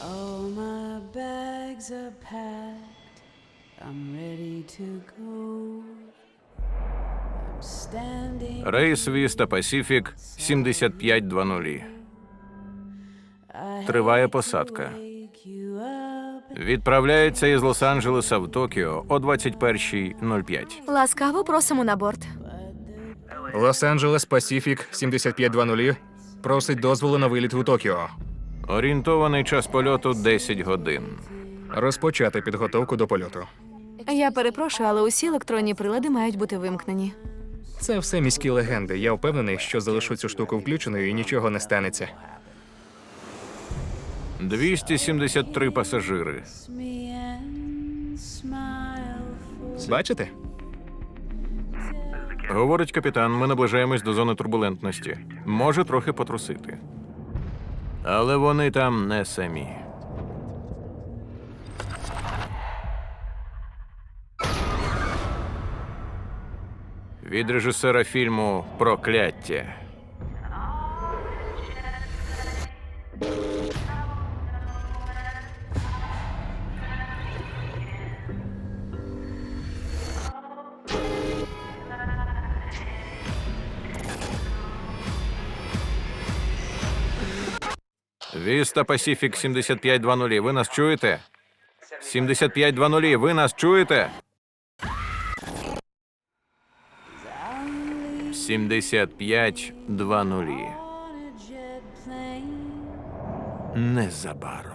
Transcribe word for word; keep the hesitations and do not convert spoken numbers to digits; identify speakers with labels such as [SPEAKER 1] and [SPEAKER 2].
[SPEAKER 1] All my bags are packed. I'm ready to go. I'm standing.
[SPEAKER 2] Рейс Віста Пасіфік сімдесят п'ять двадцять. Триває посадка.
[SPEAKER 1] Wake you up.
[SPEAKER 2] Відправляється із Лос-Анджелеса в Токіо о двадцять перша нуль п'ять.
[SPEAKER 3] Ласкаво просимо на борт.
[SPEAKER 4] Лос-Анджелес Пасіфік сімдесят п'ять двадцять просить дозволу на виліт у Токіо.
[SPEAKER 2] Орієнтований час польоту десять годин.
[SPEAKER 4] Розпочати підготовку до польоту.
[SPEAKER 3] Я перепрошую, але усі електронні прилади мають бути вимкнені.
[SPEAKER 4] Це все міські легенди. Я впевнений, що залишу цю штуку включеною і нічого не станеться.
[SPEAKER 2] двісті сімдесят три пасажири.
[SPEAKER 1] Me and smile for.
[SPEAKER 4] Бачите?
[SPEAKER 2] Говорить капітан, ми наближаємось до зони турбулентності. Може трохи потрусити. Але вони там не самі. Від режисера фільму «Прокляття». Віста Пасіфік сімдесят п'ять двадцять. Ви нас чуєте? сімдесят п'ять двадцять. Ви нас чуєте? сімдесят п'ять двадцять.
[SPEAKER 1] on a jet plane.
[SPEAKER 2] Незабаром.